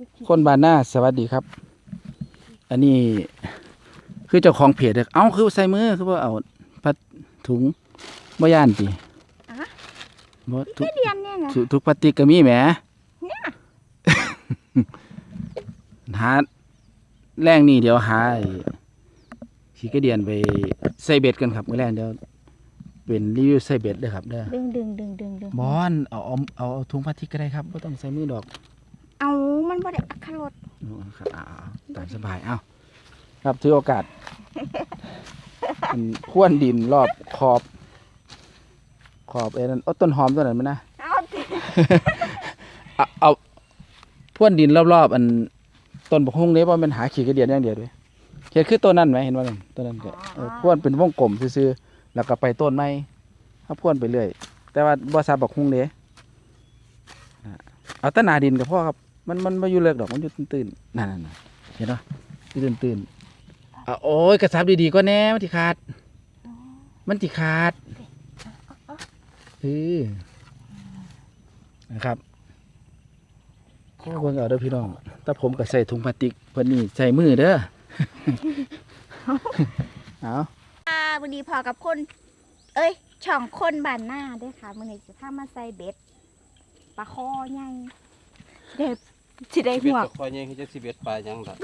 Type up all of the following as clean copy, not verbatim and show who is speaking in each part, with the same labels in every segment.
Speaker 1: คนบ้านหน้าสวัสดีครับ อันนี้คือเจ้าของเพจเอ้าคือใส่มือคือว่าเอาพัดถุงบ่ย่านติบ่ทุก
Speaker 2: เรียนเนี่ยนะ
Speaker 1: ทุกพลาสติกก็มีแหม
Speaker 2: เนี่ย
Speaker 1: หาแรงนี่เดี๋ยวหาขี้กระเดียนไปใส่เบ็ดกันครับมื้อแรงเดี๋ยวเป็นรีวิวใส่เบ็ดเด้อครับเด้อ
Speaker 2: ดึง
Speaker 1: บอนเอาถุงพลาสติกก็ได้ครับบ่ต้องใส่มือดอก
Speaker 2: เอามันบ่ได้อักขรส
Speaker 1: ครับตามสบายเอ้าครับถือโอกาส ข้วนดินรอบขอบไอ้นั่นต้นหอมตัวนั้นมั้ยนะ
Speaker 2: เอาสิ
Speaker 1: เอาพ่วนดินรอบๆอันต้นบกฮุ่งนี้ว่ามันหาขี้กระเดียนอย่างเดียวด้วยเขียนคือต้นนั้นไหมเห็นว่าต้นนั้นก็พ่วนเป็นวงกลมซื่อๆแล้วก็ไปต้นไม้ถ้าพ่วนไปเรื่อยแต่ว่าบ่ซาบกฮุ่งเด้เอาต้นหนาดินกับพ่อครับมันไม่อยู่เลิกดอกมันอยู่ตื้นๆนั่นเห็นป่ะอยู่ตื้นๆโอ้ยกระซับดีๆก็แน่มันติขาดนะครับเบิ่งเอาเด้อพี่น้องแต่ผมก็ใส่ถุงพลาสติกเพิ่นนี่ใส่มือเด้อ เอา
Speaker 2: วันนี้พอกับคนเอ้ยช่องคนบ้านหน้าด้วยค่ะมื้อนี้จะพามาใส่เบ็ดปลาคอใหญ่สิได้
Speaker 3: เบ็
Speaker 2: หั
Speaker 3: ด
Speaker 2: ว
Speaker 3: ตะคอยยังจะสิเบ็ดปลายังล่ะ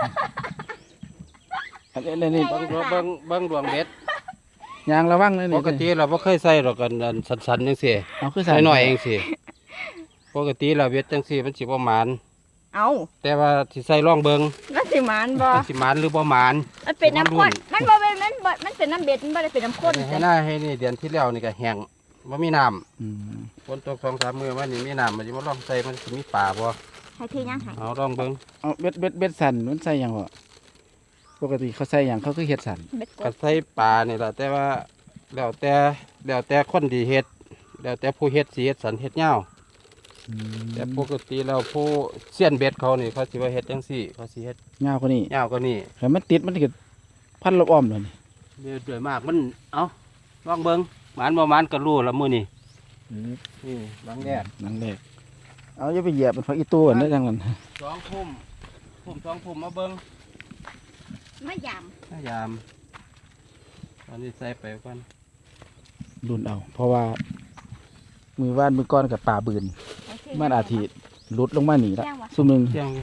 Speaker 1: อันนี้
Speaker 3: เบิ่งดวงเบ็ด
Speaker 1: ยางระวังเลย
Speaker 3: ป
Speaker 1: นี่
Speaker 3: กติเราบ่เคยใส่หรอกกันอันสันๆจังซี่
Speaker 1: เอาคือใส่
Speaker 3: น้อยๆเองสิปกติเราเบ็ดจังซี่มันสิบ่หมาน
Speaker 2: เอา
Speaker 3: แต่ว่าสิใส่ร่องเบิ่ง
Speaker 2: มันสิหมานบ่
Speaker 3: มันสิหมานหรือบ่หมาน
Speaker 2: มันเป็นน้ำข้นมันบ่เป็นมันเป็นน้ำเบ็ดมันบ่ได้เป็นน้ำข้น
Speaker 3: ให้
Speaker 2: จ้ะ
Speaker 3: หน้าให้นี่เดือนที่แล้วนี่ก็แห้งบ่มีน้ำ
Speaker 1: อืม
Speaker 3: ฝนตก 2-3 มื้อมานี่มีน้ำมันสิมาลองใส่มันสิมีปลาบ่
Speaker 2: ให้ถือยังให้
Speaker 3: เอาลองเบิ่ง
Speaker 1: เอาเบ็ดสั่นมันใส่หยังบ่ปกติเขาใส่หยังเขาคือเฮ็ดสั่น
Speaker 2: เบ็ดก
Speaker 3: ก็
Speaker 2: ด
Speaker 3: ใส่ปลานี่ล่ะแต่ว่าแล้วแต่คนที่เฮ็ดแล้วแต่ผู้เฮ็ดสิเฮ็ดสันเฮ็ดยาว แต่ปกติแล้วผู้เสี้ยนเบ็ดเขานี่เขาสิว่าเฮ็ดจังซี่เขาสิเฮ็ด
Speaker 1: ยาวกว่านี้
Speaker 3: ยาวกว่านี้
Speaker 1: แต่มันติดมันก็พันรอบอ้อมเลยนี่
Speaker 3: เดือยมากมันเอาลองเบิ่งหมานบ่หมานก็รู้ละมื้อนี้นี่บางแดด
Speaker 1: นั่นแหละเอาอย่าไปเหยียบเป็นพักอีตัวนั่นจังนั้น
Speaker 3: 2 ทุ่ม2 ทุ่มมาเบิ่ง
Speaker 2: มะยาม
Speaker 3: พยายามตอนนี้ใส่ไปก่อน
Speaker 1: รุ่นเอา เพราะว่ามือว่านมือก้อนกับป่าบืนมันอาทิหลุดลงมาหนีละซุ่มหนึ่ง
Speaker 3: เที่ยงอยู่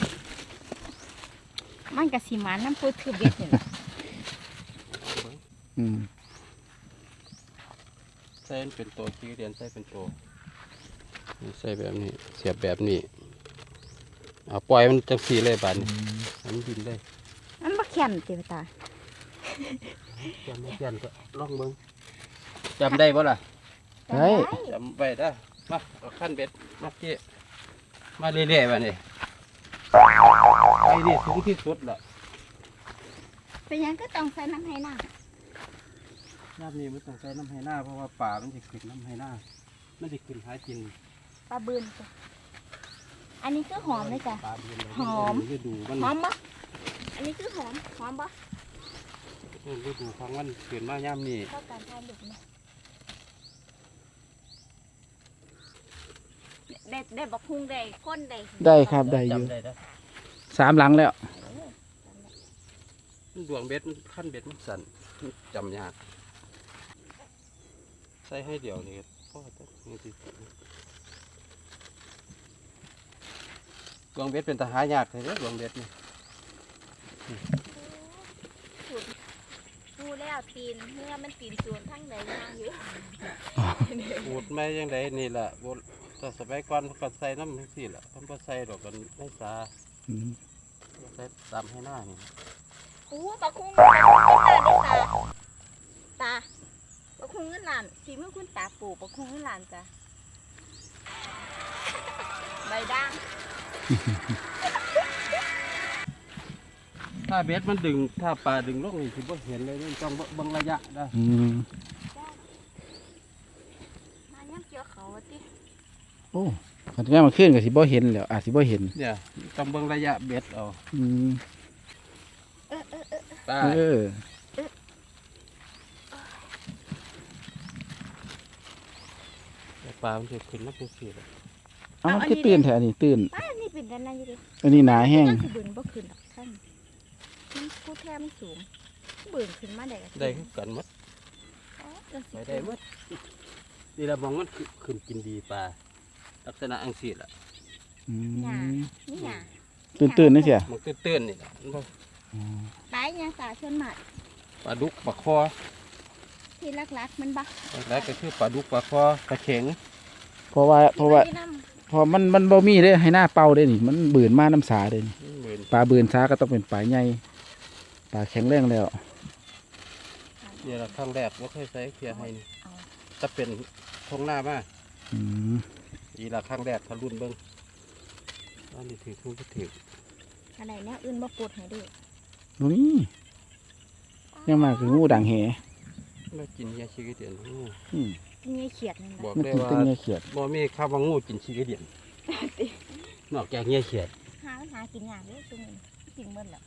Speaker 2: มันก็สิหมานน้ำปูถือเบ็ดนี่ล่ะ
Speaker 1: อืม
Speaker 3: ใส่เป็นตัวที่เรียนใส่เป็นตัวนี่ใส่แบบนี้เสียบแบบนี้เอาปล่อยมันจังซี่เลยบาดนี้ให้มันบินเลย
Speaker 2: มันบ่แข็งติตา
Speaker 3: จำไม่เพี้ยนก็ลองเบิ่งจำได้บ่ล่ะ
Speaker 1: ใช่
Speaker 3: จำไว้ได้อมาเอาขั้นเบ็ดมาเกี้มาเรื่อยๆแบบนี้ไอ้นี่สูงที่สุดละ
Speaker 2: เป็นหยังก็ต้องใส่น้ำให้น้
Speaker 3: น้ำนี้มันต้องใส่น้ำให้หน้าเพราะว่าป่ามันจะขึ้นน้ำให้หน้ามันจะขึ้นหากิน
Speaker 2: ำปลาบืนจ้ะอันนี้คือหอมเลยจ้ะ
Speaker 3: ป่าเบือนเลย
Speaker 2: หอม
Speaker 3: ฤดูมัน
Speaker 2: หอมบ่อันนี้คือหอมบ่
Speaker 3: ฤดูของมันขึ้นมาย่ำนี่
Speaker 2: เข้าการทานดุนะได้บักฮุงได้ข้นได้
Speaker 1: ได้ครับได้อยู่
Speaker 3: จำได้นะ
Speaker 1: 3 หลังแล้ว
Speaker 3: มันดวงเบ็ดมันขั้นเบ็ดมันสั่นมันจำยากใส่ให้เดียวนี่พ่อจะนี่สิดวงเบ็ดเป็นทหารยากเลยเด้อดวงเบ็ดนี่
Speaker 2: พูแล้วตีนเมื่อมันตีนส่วนทั้งใดย่างอยู่
Speaker 3: ปูดไม่ยังไงนี่แหละบนแต่สมัยก่อนเขาก็ใส่น้ำทั้งสี่แหละเขาก็ใส่ดอกกันไม่ซา
Speaker 1: อืม
Speaker 3: ใส่ตามให้หน้านี่
Speaker 2: โอ้บักฮุงตาบักฮุงเงินล้านฝีมือคุณตาปลูกบักฮุงเงินล้านจ้ะใบด่าง
Speaker 3: ถ้าเบ็ดมันดึงถ้าปลาดึงลงนี่คือบ่เห็นเลยนี่ต้องเบิ่งระยะได้
Speaker 1: อืม
Speaker 2: มาย่ำเกี่ยวเขาติ
Speaker 1: โอ้ขันแม่มาขึ้นกับสิบ่เห็นแล้วอาจสิบ่เห็น
Speaker 3: เนี่ยต้องเบิ่งระยะเบ็ดเอา
Speaker 1: อืม
Speaker 3: ได้
Speaker 1: เออ
Speaker 3: แต่ปลามันจะขึ้นมาเป็นสี่แหละ
Speaker 1: เอามันคือตื่นแถวนี้ตื่น
Speaker 2: ป้านี่เป็นด้านหน้าอยู่ดิ
Speaker 1: อันนี้หนาแห้ง
Speaker 2: สิบืนบ่ขึ้นหรอกท่านมันพูดแท้มันสูงบืนขึ้นมาได้ก็
Speaker 3: ได้คือกันหมด
Speaker 2: อ๋อจังสิ
Speaker 3: ไปได้หมดนี่ละมองมันขึ้นกินดีปลาลักษณะอังสีล่ะ
Speaker 1: อื
Speaker 2: หยาม นี่หยา
Speaker 1: ตื่นๆนี่เสีย
Speaker 3: มันตื้นๆนี่ล่ะมันบ่
Speaker 2: ปลาหยังสาชนหมัด
Speaker 3: ปลาดุกปลาคอ
Speaker 2: ที่ลักๆมันบัก
Speaker 3: แล้วก็คือปลาดุกปลาคอปลาเข็ง
Speaker 1: เพราะว่า
Speaker 2: ที่น้ำ
Speaker 1: พอมันบ่มีเด้ให้หน้าเป่าเด้นี่มันบืนมาน้ำสาเด้นี่
Speaker 3: เหมือน
Speaker 1: ปลาบืนสาก็ต้องเป็นปลาใหญ่ปลาแข็งแรงแล้ว
Speaker 3: นี่ละครั้งแรกว่าเคยใส่เพียให้นี่
Speaker 2: เอา
Speaker 3: ถ้าเป็นทงหน้ามา
Speaker 1: อืม
Speaker 3: อีละครั้งแรกทะลุนเบิ้งอันนี้ถือคู่ก็ถือ
Speaker 2: อะไรเนี่ยอื่นบ่ปวดให้ด้วย
Speaker 1: ตรงนี้ยังมาคืองูด่างแห
Speaker 3: ไม่กินยาชีกระเดียนงู
Speaker 1: อืม
Speaker 2: กินไงเขียดนั่น
Speaker 3: บอก
Speaker 1: มัน
Speaker 3: ได้
Speaker 1: กิน
Speaker 3: ว่า
Speaker 1: แตั้งเงี้ยเขียด
Speaker 3: บ่มีข้าวว่างูกินชีกระเดียนนอกจากเงี้ยเขียด
Speaker 2: หากินยากเลยตรงนี้กินเมื่อแล้ว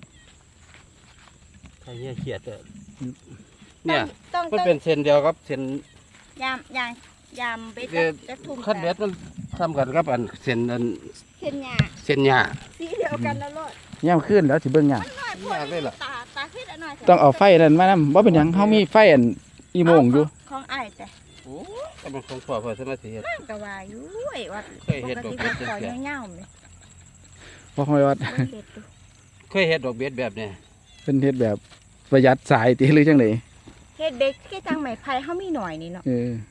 Speaker 3: ถ้าเงี้ยเขียดอะเนี่ย
Speaker 2: ต้อง
Speaker 3: มันเป็นเส้นเดียวครับเส้น
Speaker 2: ยามเบ็ด
Speaker 3: เอ่อ
Speaker 2: จะทุ่ม
Speaker 3: ขั้นเบ็ดมันซ้ำกันครับอันเส้นอัน
Speaker 2: เส้นหยา
Speaker 3: เส้นหญ้า
Speaker 2: สีเดียวกันแล้วโลด
Speaker 1: ย่ำขึ้นแล้วสิเบิ่งหยัง
Speaker 2: น้อยพ
Speaker 3: ยากเลยล่ะ
Speaker 2: ตาขึ้นหน่อย
Speaker 1: ต้องเอาไฟนั่นมานำบ่เป็นหยังเฮามีไฟอันอีโมงอยู่
Speaker 2: ของอ้ายแต่
Speaker 3: โอ้ก็มันของพ่อเพื่อสมาธิเฮ็ด
Speaker 2: ก็ว่าอยู่ไอ้ว่า
Speaker 3: เคยเฮ็ดดอก
Speaker 2: ป
Speaker 3: เบ็ด
Speaker 2: ติ
Speaker 3: จัง
Speaker 2: ว่า
Speaker 3: ซี่
Speaker 2: ขอเงาๆเลย
Speaker 1: เพราะว่า
Speaker 2: เบิ่งเบ็ดดู
Speaker 3: เคยเฮ็ดดอกเบ็ดแบบเนี้ย
Speaker 1: เป็นเฮ็ดแบบประหยัดสายติหรือจังได๋
Speaker 2: เฮ็ดเบ็ดคือจังไม้ไผ่เฮามีหน่อยนี่เนาะ
Speaker 1: เออ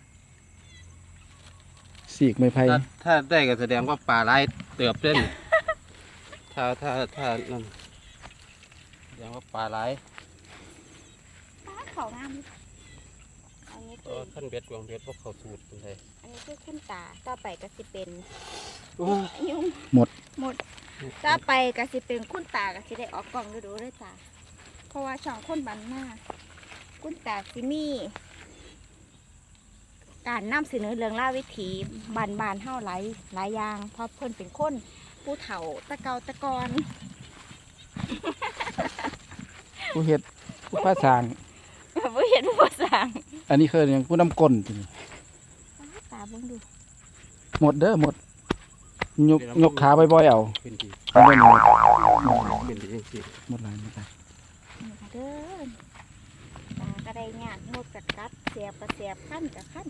Speaker 1: สีกไม้ไผ่
Speaker 3: ถ้าได้ก็แสดงว่าปลาหลายเติบเด้นถ้านั่นแสดงว่าปลาหลาย
Speaker 2: เขางามอันนี้
Speaker 3: ก็ขั้นเบ็ดวางเบ็ดพวกเขาสูตรเป็นไง
Speaker 2: อันนี้คือขึ้นตาต่อไปก็สิเป็น
Speaker 3: โอ้ย
Speaker 2: ยุ่ง
Speaker 1: หมด
Speaker 2: ต่อไปก็สิเป็นคุณตาก็สิได้ออกกล้องดูๆเลยจ้าเพราะว่าช่องคนบันหน้าคุณตาสิมี การนำเสนอเรื่องราววิถีบ้านๆเฮาหลายอย่างเพราะเพิ่นเป็นคนผู้เฒ่าตะเกาตะกอน
Speaker 1: ผู้เฮ็ดผู้ภาษาง
Speaker 2: บ่เห็นผู้สร้าง
Speaker 1: อันนี้คือหยังผู้นำก้นติ
Speaker 2: ตาเบิ่งดู
Speaker 1: หมดเด้อหมดยกขาบ่อยๆเอา
Speaker 3: ขึ้นดี
Speaker 1: เอาบ่หมด
Speaker 3: ขึ้นดีจริง
Speaker 1: หมดหลายหมดหลาย
Speaker 2: นี่ค่ะเด้อตาก็ได้งานหมดกัดเสียบก็เสียบขั้นกับขั้น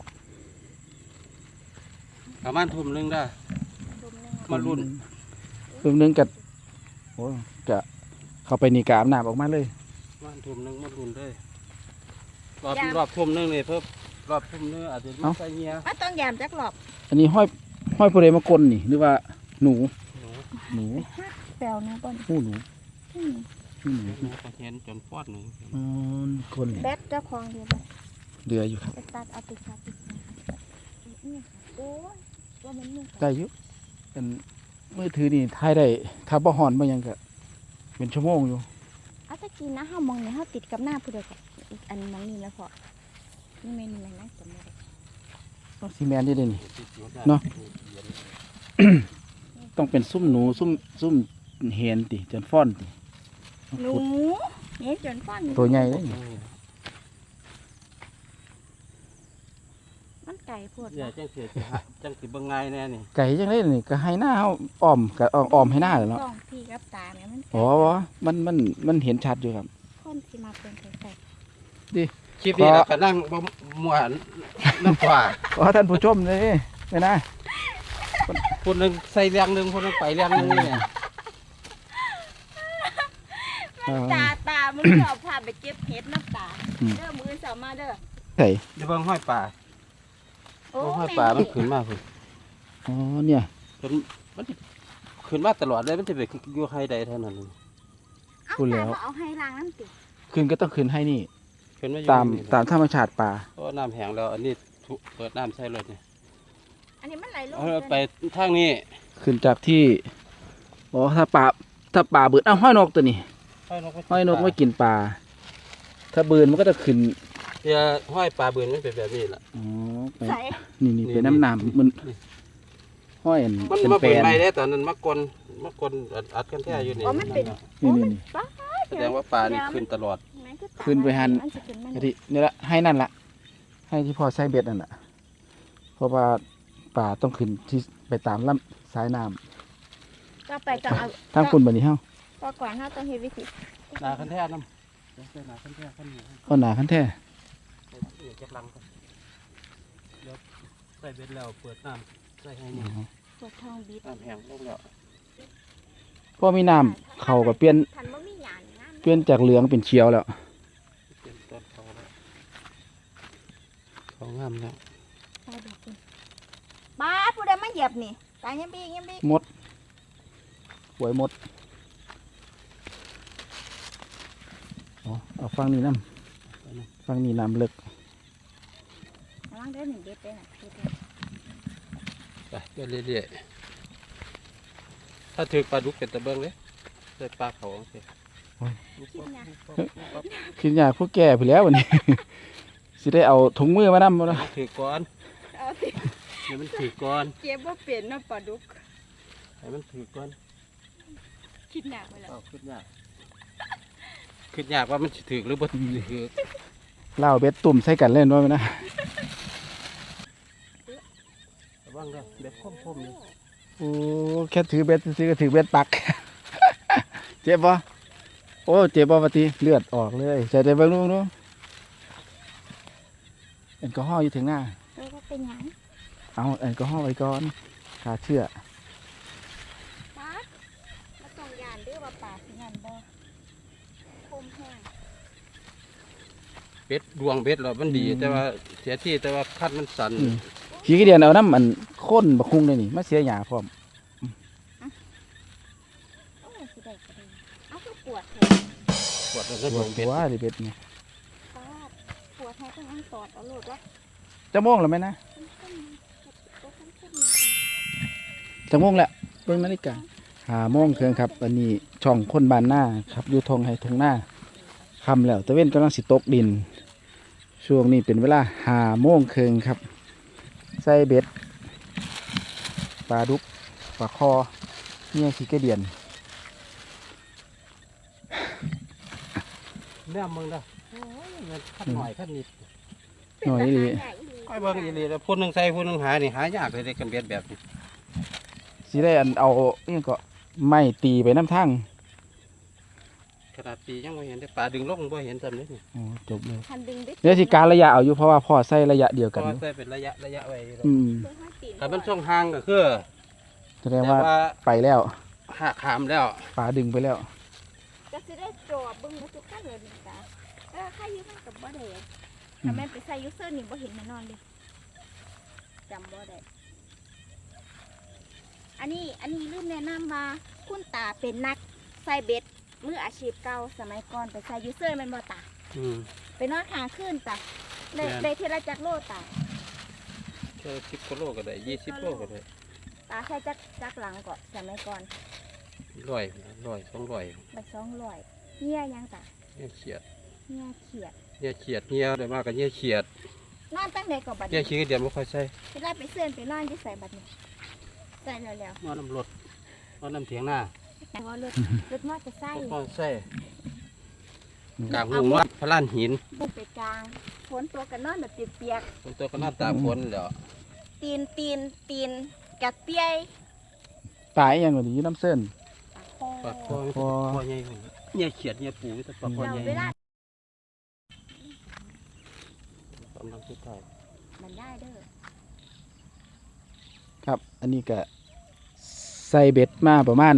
Speaker 3: ๆประมาณทุ่มหนึงได้
Speaker 2: รวมหนึง
Speaker 3: มารุ่น
Speaker 1: รวมหนึงก็โอ้จะเข้าไปนี่กอาบน้ำออกมาเลย
Speaker 3: ประมาณทุ่มหนึงมารุ่นเลยรอบทุ่มหนึงนี่เพิ่มรอบทุ่มหนึงอาจจะมีใส่เงี้ย
Speaker 2: ว่าต้องยามจักรอบ
Speaker 1: อันนี้ห้อยผู้ใดมากลนี่หรือว่าหนู
Speaker 3: หนู
Speaker 2: แปลวนะบ่อน
Speaker 1: หูหนู
Speaker 2: อืม
Speaker 1: หูหนู
Speaker 3: หนูก็เห็นจนฟอดหนึ่ง
Speaker 1: อ๋อคนนี่
Speaker 2: แบตเจ้าของเดียวบ่
Speaker 1: เดืออยู่ครับ
Speaker 2: ไปตัดเอาไปตัดนี่โอ้ยว่ามันนี่
Speaker 1: ได้อยู่เป็นมือถือนี่ถ่ายได้ถ้าบ่ฮ้อนบ่หยังก็เป็นชั่วโมงอยู่
Speaker 2: เอาตะกี้นะเฮามองเนี่ยเฮาติดกับหน้าผู้ใดก็อีกอันมองนี่แล้วพอนี่แม่นแม่นนะจำบ่ได้
Speaker 1: ต้องซีแมนนี่เด้นี่ เนาะ ต้องเป็นซุ่มหนูซุ่มเห็นติจนฟ้อนติ
Speaker 2: หนูเนี่ยจนฟัน
Speaker 1: ตัวใหญ่เลยนี่
Speaker 2: มันไก่โพด
Speaker 3: เนี่ย
Speaker 2: นะ
Speaker 3: จังสิจังสิเบิ่งไงายแน่นี่
Speaker 1: ไก่จังได๋นี่ก็ให้หน้าเฮาอ้อมก็อ้อมให้หน้าแหละเนาะ
Speaker 2: กล้องพี่กับตาเนี่ยมัน
Speaker 1: อ๋อมันเห็นชัดอยู่ครับ
Speaker 2: คนสิมาเป็นไก่
Speaker 3: คลิปนี้เราก็นั่งบ่ม่วนน้ำกว่า
Speaker 1: ขอท่านผู้ชมเลยไปนะ
Speaker 3: คนหนึงใส่เรียงหนึงคนหนึงไปเรียงหนึงนี่เนี่ย
Speaker 2: ตามันชอบพาไปเก็บเห็ดน้ำตาเด้อมือสาวมาเด้อ
Speaker 1: ใส่
Speaker 3: เดี๋ยวเบิ่งห้อยป่า
Speaker 2: โอ้
Speaker 3: เบิ่งห้อยป่ามันขึ้นมาพุ่น
Speaker 1: อ๋อเนี่ย
Speaker 3: จนมันสิขึ้นมาตลอดเลยมันจะไปอยู่ใครใดเท่านั้น
Speaker 2: เอาตาเอาให้ล้างน้ำติ
Speaker 1: คืนก็ต้องคืนให้นี่
Speaker 3: ขึ้นมาอยู่
Speaker 1: ตาม
Speaker 3: นี่
Speaker 1: ตามธรรมชาติป่า
Speaker 3: เพราะว่าน้ำแห้งแล้วอันนี้เปิดน้ำใส่รถนี่
Speaker 2: อันนี้มันไหลลง
Speaker 3: เอาไปทางนี้
Speaker 1: ขึ้นจากที่อ๋อถ้าป่าเบืนห้อยนกตัวนี้ห้อยนกไม่กินปลาถ้าเบืนมันก็จะขึ้น
Speaker 3: เดี๋ยวห้อยปลาเบือนมันเป็นแบบนี้ล่ะ
Speaker 1: อ๋อไป
Speaker 2: ใส่
Speaker 1: นี่เป็นน้ำมันห้อยอัน
Speaker 3: มัน
Speaker 1: เป็น
Speaker 3: มา
Speaker 1: แปล
Speaker 3: เปิด
Speaker 1: น
Speaker 3: ไม่ได้ตอนนั้นมากลอัดกันแท้อยู่นี่
Speaker 2: อ๋อมันเป็น
Speaker 3: นั่นน่ะ
Speaker 2: โอ้มัน
Speaker 1: นี่
Speaker 2: ป้า
Speaker 3: แสดงว่าปลานี่ขึ้นตลอด
Speaker 1: ขึ้นไปหัน
Speaker 2: มันสิขึ้นมัน
Speaker 1: กะทินี่ละให้นั่นละให้ที่พอใช้เบ็ดนั่นแหละเพราะว่าป่าต้องขึ้นที่ไปตามลำสายน้
Speaker 2: ก็ไปก็เอา
Speaker 1: ทางคุณบัดนี้เฮา
Speaker 2: ก็ก่อนเฮาต้องเฮ็ดวิธี
Speaker 3: หนาคันแท้น้ำใส่หนาคันแท้คันนี้
Speaker 1: เอาหนาคันแท้
Speaker 3: เดี๋ยวเก็บลังก่อนเดี๋ยวใส่เบ็ดแล้วเปิดน้ำใส่ให้นี่
Speaker 2: ปวดท้องบิด
Speaker 3: น้ำแห้งลงแล้ว
Speaker 1: พอมีน้ำเขาก็เปลี่ยน
Speaker 2: ทันบ่มีหยานงาม
Speaker 1: เปลี่ยนจากเหลืองเป็นเขียวแล้ว
Speaker 3: เปลี่ยนต้นเขาแล้วเขางามแล้ว
Speaker 2: ใส่ดอกคุณบ้าผู้ใดมาเหยียบนี่ตายยังบี
Speaker 1: มดหวยมดเอาฟังนี่น้ำฟังนี่น้ำลึก
Speaker 2: ระวังเด้อ1เด็ดเด้อน่ะเด็ด
Speaker 3: ไปเรื่อยๆถ้าถือปลาดุกเป็นตะเบิ้งเลยใส่ปลาเขาโอเค
Speaker 1: คิดอยากพวกแก่ไปแล้ววันนี้ สิได้เอาถุงมือมานำบ่ล่ะ
Speaker 3: ถือก้อน
Speaker 2: เอาสิ
Speaker 3: เดี๋ยวมันถือก้อน
Speaker 2: เก็บบ่เป็นเนาะปลาดุก
Speaker 3: ให้มันถือก้อน
Speaker 2: คิดหนักไปแล้ว
Speaker 3: เอาขึ้นยากขึ้นยากว่ามันสิถือหรือบ่ถือ
Speaker 1: เล่าเบ็ดตุ่มใส่กันเล่นด้วยไหมนะ
Speaker 3: ระวังเด้อเบ็ดคมๆนี่
Speaker 1: โอ้แค่ถือเบ็ดซื้อก็ถือเบ็ดปัก เจ็บปะโอ้เจ็บปะปฏิเลือดออกเลยใส่ใจเบิ้งดูดูแอลกอฮอล์อยู่ถึงหน้า
Speaker 2: ก็เป็นหยัง
Speaker 1: เอาแอลกอฮอล์ไว้ก่อนขาเชื่อ
Speaker 2: ปลามาส่งยานเด้อว่าปลาสิงานบ่คมแห้ง
Speaker 3: เบ็ดดวงเบ็ดเรามันดีแต่ว่าเสียที่แต่ว่าคัดมันสั่น
Speaker 1: ขี้กระเดียนเอาน้ำมันข้นบักคุ้งเลยนี่มาเสียหยาพร้อม
Speaker 2: โอ้สิได้ก็ได้เอาคือปวดแท้
Speaker 3: ปวดแล้ว
Speaker 1: ป
Speaker 3: ก็ด
Speaker 1: ว
Speaker 3: ว
Speaker 1: ด
Speaker 3: งเบ็ด
Speaker 1: หัวดิเบ็ดนี่
Speaker 2: ปลาปวดแท้ต้องอันตอดเอาโลดว่า
Speaker 1: จะม่วงแล้วไหมนะ จะม่วงแล้วเบิ่งนาฬิกา5 โมงครึ่งครับอันนี้ช่องคนบ้านหน้าครับอยู่ทงให้ทงหน้าคำแล้วตะเว้นกำลังสิตกดิน ช่วงนี้เป็นเวลา5 โมงครึ่งครับ ใส่เบ็ดปลาดุกปลาคอเนี่ยขี้กระเดียน
Speaker 3: เนี่ยมึงเด้อโอ้ยมันคัดหน่อยคัดนิด
Speaker 1: หน่อยดี
Speaker 3: ค่อยเบิ่งอีหลีแล้วพูดหนึงใส่พูดหนึงหานี่หายากเลยเด้กันเบ็ดแบบนี้
Speaker 1: สิได้อันเอานี่ก็ไม่ตีไปน้ำทั้ง
Speaker 3: ขนาดปียังบ่เห็นได้ปลาดึงลงบ่เห็นซ้ำเลยนี่
Speaker 1: โอ้จบเลย
Speaker 2: คันดึงได้
Speaker 1: เดี๋ยวสิการระยะเอาอยู่เพราะว่าพ่อใส่ระยะเดียว
Speaker 3: เพ
Speaker 1: กัน
Speaker 3: ราะ
Speaker 1: อ
Speaker 3: ว่า
Speaker 1: ยู่
Speaker 3: ใส่เป็นระยะไว้อยู่แล้ว
Speaker 1: อืม
Speaker 2: เบิ่งให้ตีน
Speaker 3: แต่มันช่องห่างก็คือ
Speaker 1: แสดงว่าไปแล้ว
Speaker 3: หักขามแล้ว
Speaker 1: ปลาดึงไปแล้ว
Speaker 2: จะสิได้จอบเบิ่งบ่ทุกขั้นเลยนี่จ้ะใครอยู่มันก็บ่ได้ถ้าแม่นไปใส่ยูเซอร์นี่บ่เห็นแน่นอนเลยจำบ่ได้อันนี้ลืมแนะนำว่าคุณตาเป็นนักใส่เบ็ดมืออาชีพเก่าสมัยก่อนไปใส่ยูเซอร์แม่นบ่ตา
Speaker 3: อืม
Speaker 2: ไปนอนค้างคืนจ้ะได้
Speaker 3: แม่น
Speaker 2: ได้เทละจักโลตา
Speaker 3: แค่10กิโลก็ได้20โลก็ได้
Speaker 2: ตาใช้จักหลังก่อนสมัยก่อน
Speaker 3: 100 200
Speaker 2: ไป200เหี้ยยังจ้ะ
Speaker 3: เนี่ยเขียด
Speaker 2: เหี้ยเขียด
Speaker 3: เนี่ยเขียดเนี่ยได้มากก็เนี่ยเขียด
Speaker 2: นอนตั้งแต่ก่อนบัด
Speaker 3: เนี่ย
Speaker 2: นี้
Speaker 3: ขี้เดียวบ่ค่อยใส่
Speaker 2: เวลาไปเสื่อนไปนอนที่ใส่บัดนี้ใส่แล้ว
Speaker 3: นอนน้ำรถนอนน้ำเถียงหน้า
Speaker 2: ๆแต่ว่ารถมอเตอร์ไซค์
Speaker 3: ก็ใส่กลางหุงว่าพระลานหิน
Speaker 2: บุกไปกลางฝนตัวกันนอนแบบเปียก
Speaker 3: คนตัวก็น่าตาฝนแล้ว
Speaker 2: ๆตีนกระเปียย
Speaker 1: ตายยังกว่านี้น้ำเส้น
Speaker 3: ปลาคอคอใหญ่เนี่ยเขียดเนี่ยปูแต่ปลาคอ
Speaker 2: เรา
Speaker 3: ใหญ่
Speaker 2: เวลาก
Speaker 3: ำลังสุดท้าย
Speaker 2: มันได้เด้อ
Speaker 1: ครับ อันนี้ก็ใส่เบ็ดมาประมาณ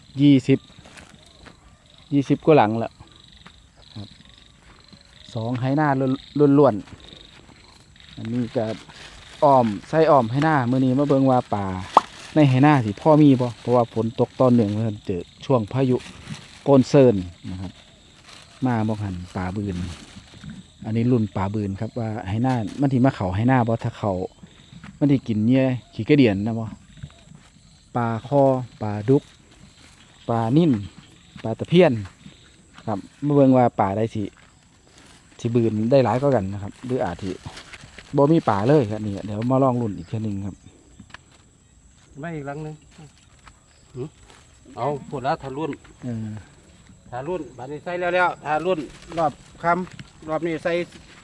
Speaker 1: 20กว่าหลังแล้วครับ2ไหหน้าล้วนๆอันนี้ก็อ้อมใส่อ้อมไหหน้ามื้อนี้มาเบิ่งว่าป่าในไหหน้าสิพ่อมีบ่เพราะว่าฝนตกตอนหนึ่งเพิ่นเจอช่วงพายุโกนเซินนะครับ มาบ่หันป่าบืน อันนี้รุ่นป่าบืนครับว่าไหหน้ามันสิมาเข้าไหหน้าบ่ถ้าเข้ามันสิกินเหยื่อขี้กระเดียนนะบ่ปลาคอปลาดุกปลานิ่นปลาตะเพียนครับมาเบิ่งว่าป่าได้สิบืนได้หลายก็กันนะครับหรืออาจสิบ่มีป่าเลยครับนี่เดี๋ยวมาลองรุ่นอีกเทื่อนึงครับ
Speaker 3: ไม่อีกหลังหนึงเอาพูดแล้วทารุ่น
Speaker 1: เออ
Speaker 3: ทารุ่นบัดนี้ใส่แล้วทารุ่นรอบคำรอบ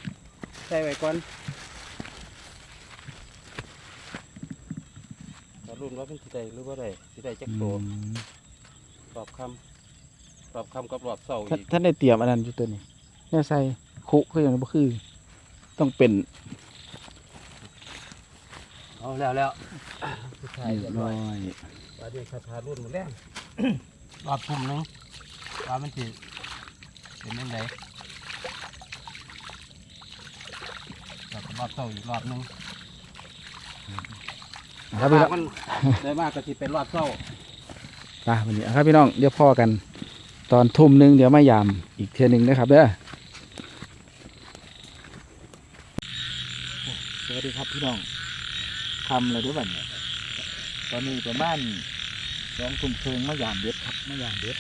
Speaker 3: นี้ใส่ไว้ก่อนรุ่นว่าเป็นสิได้หรือว่าได้สิได้จักโตรอบค่ำกับรอบเสาอีก
Speaker 1: ท่านได้เตรียมอันนั้นอยู่ตัวนี้เนี่ยใส่คุก็ยังบ่คือ ต้องเป็น
Speaker 3: เอาแล้วผู้ชาย
Speaker 1: เรี
Speaker 3: เรี
Speaker 1: ย
Speaker 3: ย
Speaker 1: บบ ร้
Speaker 3: ร้
Speaker 1: อ
Speaker 3: อย
Speaker 1: ย
Speaker 3: ว่าด้วยคาถารุ่นหมดแล้ว รอบทุ่มหนึงว่ามันสิเป็นยังไงรอบเสาอีกรอบหนึง
Speaker 1: ครับพี่น้อง
Speaker 3: มันได้มากก็สิเป็นรอบเสา
Speaker 1: ไปวันนี้ครับพี่น้องเดี๋ยวพ่อกัน ตอนทุ่มหนึงเดี๋ยวมายามอีกเทื่อหนึงนะครับเด้อสวัสดีครับพี่น้องทำอะไรด้วยบ้างเนี่ยตอนนี้ประมาณ2 ทุ่มมายามเด็ดครับมายามเด็ด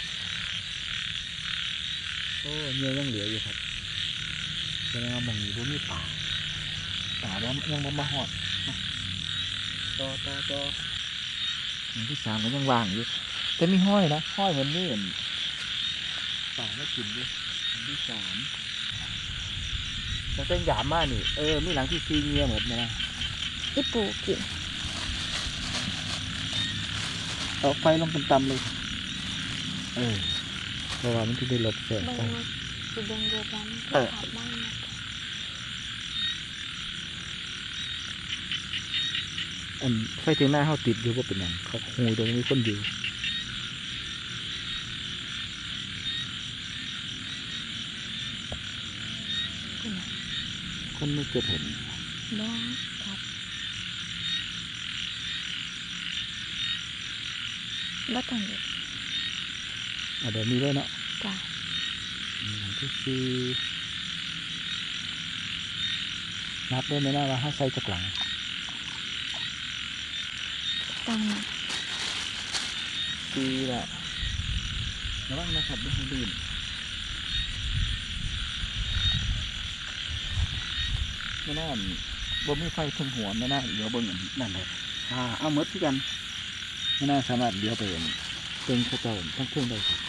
Speaker 1: โอ้เนื้อยังเหลืออยู่ครับแสดงว่ามองนี้บ่มีป่าว่ายังบ่มาหอดต่ออย่างที่3ก็ยังว่างอยู่แต่มีห้อยนะห้อยมันนี่เห็นป่าไม่กินด้วยอันที่3แต่เส้นหยามมากนี่มีหลังที่4เงียหมดนะ
Speaker 2: อีปูกิน
Speaker 1: เอาไฟลงต่ำๆเลยเพราะว่ามันที่ได้ลบแสง
Speaker 2: เบิ่ง
Speaker 1: ไฟ
Speaker 2: มาสิเบิ่งเดือดร้อนขาดบ้างนะ
Speaker 1: อันไฟเทียงหน้าเขาติดอยู่ว่าเป็นอย่างเขาหูตรงนี้มีคนอยู่คนไม่เกิดเห็น
Speaker 2: บ้างครับบ่ต้องเด็ด
Speaker 1: เดี๋ยวมีด้วยเนาะ
Speaker 2: จ้ะ
Speaker 1: หลังที่สี่นับได้ไหมนะว่าเขาใส่จากหลัง
Speaker 2: ต้องนะ
Speaker 1: สี่ละระวังนะครับไม่ให้ลื่นไม่น่าบ่มีไฟทึงหัวไม่น่าเดี๋ยวเบิ่งอันนั่นเลยเอาหมดที่กันไม่น่าสามารถเดี๋ยวไปเห็นเป็นกระเจ้าทั้งเครื่องได้ครับ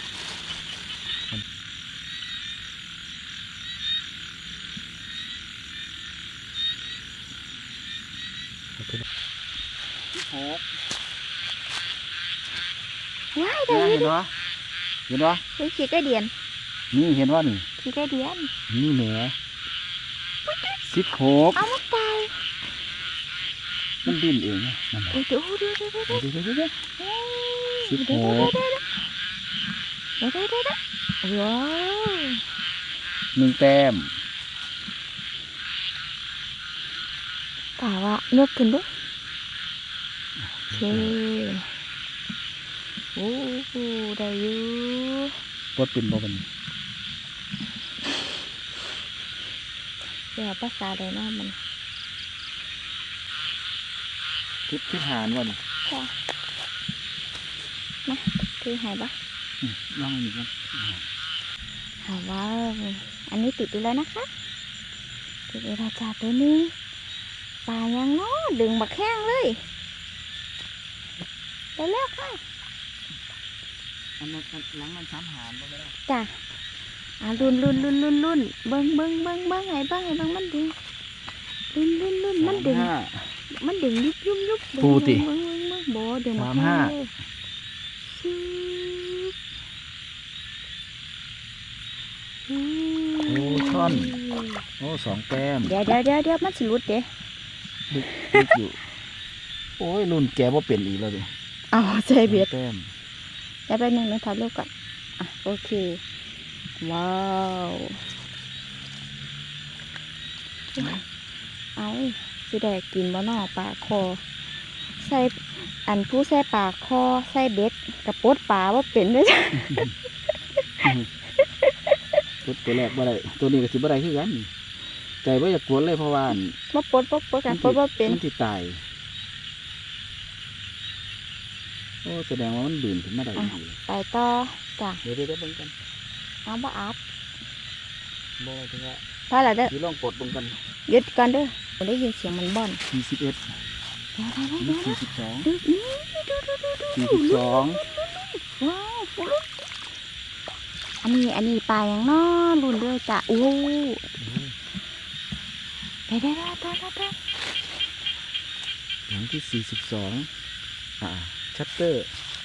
Speaker 1: ที่หก
Speaker 2: ว้ายได้
Speaker 1: เห็
Speaker 2: ยิ
Speaker 1: น
Speaker 2: น
Speaker 1: วะเห็นวะ
Speaker 2: เฮ้ยขี้ไก่เดียน
Speaker 1: นี่เห็นว่านี่
Speaker 2: ขี้ไก่เดียน
Speaker 1: นี่แหม16
Speaker 2: เอามาตาย
Speaker 1: มันดิ้นเองนะนั่นแหละ
Speaker 2: โอ้ยดู
Speaker 1: เดี๋ยว
Speaker 2: เดี๋ยวว้าว
Speaker 1: 1 แต้ม
Speaker 2: กะว่ายกขึ้นดูโอเคโอ้โหได้อยู่
Speaker 1: ปลดเป็นบ่เป็น
Speaker 2: เดี๋ยวภาษาอะไรเนาะมัน
Speaker 1: ทิศหารวะนี่
Speaker 2: ค่ะมาคือหายปะ
Speaker 1: ลองอีกกัน
Speaker 2: ถามว่าอันนี้ติดอยู่แล้วนะคะติดอยู่แล้วจ้าตัวนี้ปลายังเนาะดึงบักแข้งเลยไปแล้วค่ะ
Speaker 1: อันนั้นหลังมัน3 หารบ่ได้
Speaker 2: จ้ะรุ่นเบิ้งไงเบิ้งให้เบิ้งมันดึงรุ่นมันดึง มันดึงยุบ
Speaker 1: ปูติ
Speaker 2: เบิ้งบ่ดึงบัก
Speaker 1: 35
Speaker 2: แข้งเลยซึบ
Speaker 1: โอ้ช่อน โอ้2 แต้ม
Speaker 2: เดี๋ยวมันสิหลุดเด้
Speaker 1: ลึกอยู่ โอ้ยรุ่นแกบ่เป็นอีกแล้วดิ
Speaker 2: เอาใจเบียด
Speaker 1: 2 แต้ม
Speaker 2: แล้วไปหนึ่งถ่ายรูปก่อนโอเคว้าวเอาสิได้กินบ่นอปลาคอใส่อันผู้ใส่ปลาคอใส่เบ็ดกระปดปลาว่าเป็นด้วยจ้ะ
Speaker 1: ตัวแรกบ่ได้ตัวนี้ก็สิบ่ได้คือกันใจบ่อยากกวนเลยเพราะว่า
Speaker 2: มาปดกันปดว่าเป็น
Speaker 1: มันสิตายโอ้แสดงว่ามันดื่นขึ้นมาได้อีก
Speaker 2: ไปต่อจ้ะ
Speaker 1: เดี๋ยวเบิ่งกัน
Speaker 2: เอาบ่อาบ
Speaker 1: บ่ถึงว่า
Speaker 2: พอแล้วเด้อ
Speaker 1: สิลองกดเบิ่งกัน
Speaker 2: หยุดก่อนเด้อผมได้ยินเสียงมันบ่อน
Speaker 1: 41
Speaker 2: เดี๋ยว
Speaker 1: นี่
Speaker 2: ดู
Speaker 1: 42 42
Speaker 2: ว้าวอันนี้ปลาอย่างน้อรุ่นเด้อจ้ะโอ้เดี๋ยว
Speaker 1: หลังที่42 ชัตเตอร์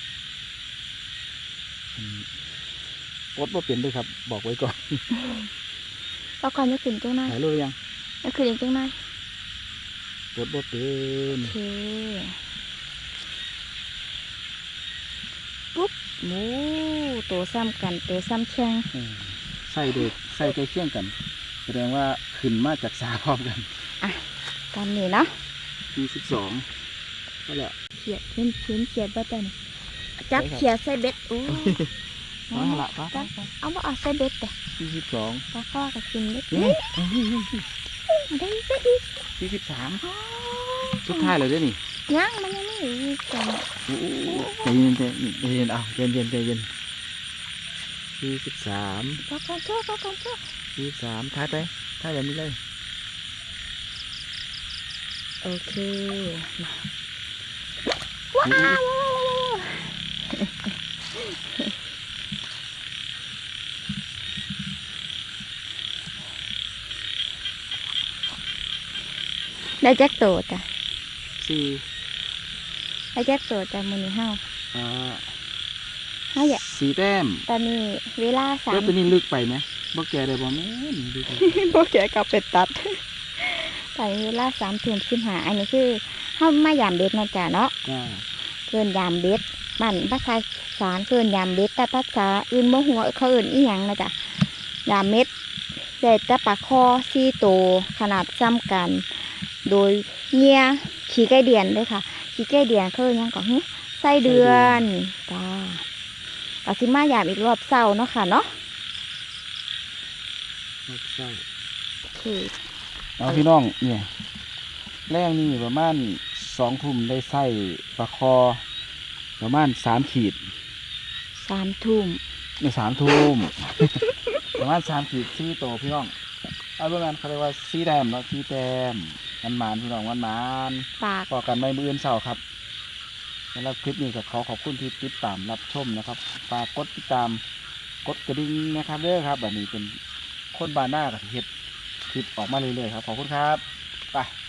Speaker 1: ปลดบ่เป็นด้วยครับ บอกไว้ก่อน
Speaker 2: แล้วก่อนจะขึ้นจังหน่อย
Speaker 1: ถ่ายรูปหรือยัง
Speaker 2: จะขึ้นอีกจังหน่อย
Speaker 1: ปลดบ่เป็น
Speaker 2: โอเคปุ๊บโอ้ตัวซ้ำกันตัวซ้ำแข้ง
Speaker 1: ใส่เด็กใส่ใกล้เคียงกัน แสดงว่าขึ้นมาจากสาพร้อมกัน
Speaker 2: ตามนี้เนาะ
Speaker 1: 42ก็แล้ว
Speaker 2: เขียดเห็นเขียดบ่ตันจับเขียดใส่เบ็ดโอ้
Speaker 1: เอาละปะ
Speaker 2: จับเอาบ่เอาใส่เบ็ดแต่
Speaker 1: 42
Speaker 2: ปลาข้อกับกินเบ็ด
Speaker 1: นี่
Speaker 2: ได้ซะอีก
Speaker 1: 43
Speaker 2: อ๋อ
Speaker 1: สุดท้ายเลยเด้อนี่
Speaker 2: ยังมันยังไม่อีกจัง
Speaker 1: ใจเย็นใจเย็นเอาใจเย็นใจเย็น43
Speaker 2: ปลากันชั่วปลากันชั่ว
Speaker 1: 43ถ่ายไปถ่ายแบบนี้เลย
Speaker 2: โอเคว้าวได้แจ็คโตจ้ะ
Speaker 1: 4
Speaker 2: ได้แจ็คโตจ้ะมื้อนี้เฮา
Speaker 1: อ่า
Speaker 2: เฮาอย่า
Speaker 1: 4 แต้ม
Speaker 2: ตอนนี้เวลาสา
Speaker 1: แล้ว
Speaker 2: ม
Speaker 1: ตัวนี้ลึกไปไหมบ่แกได้บ่แม่นลึกไป
Speaker 2: พวกแกกลับไปตัดตอนนี้เวลา3:15อันนี้คือเฮามายามเบ็ดเนาะจ้ะเนาะ
Speaker 1: จ้า
Speaker 2: เกินยามเบ็ดบ้านภาษาอีสารเกินยามเบ็ดแต่ภาษาอื่นบ่ฮู้ว่าเขาเอิ้นอีหยังนะจ้ะยามเม็ดได้แต่ปลาคอ4ตัวขนาดซ้ำกัน โดยเงียขี้ไก่เดือนเด้อค่ะขี้ไก่เดือนเขาเอิ้นหยังก็ฮึไส้เดือนจ้าก็สิมายามอีกรอบเช้าเนาะค่ะเนาะ
Speaker 1: ใช่
Speaker 2: โอเค
Speaker 1: เอาพี่น้องเนี่ยแรงนี่ประมาณ2 ทุ่มได้ไส้ปลาคอ ประมาณ3 ขีด
Speaker 2: 3 ทุ่ม
Speaker 1: ใน3 ทุ่ม ประมาณ3 ขีด4 โตพี่น้องเอาเรื่องนั้นเขาเรียกว่า4 แต้มเนาะ4 แต้มมันหมานพี่น้องมันหมาน
Speaker 2: ปาก
Speaker 1: พอกันในมื้ออื่นเช้าครับสำหรับคลิปนี้ก็ขอขอบคุณที่ติดตามรับชมนะครับฝากกดติดตามกดกระดิ่งนะครับเด้อครับแบบนี้เป็นคนบ้านหน้ากับเฮ็ดคลิปออกมาเรื่อยๆครับขอบคุณครับไป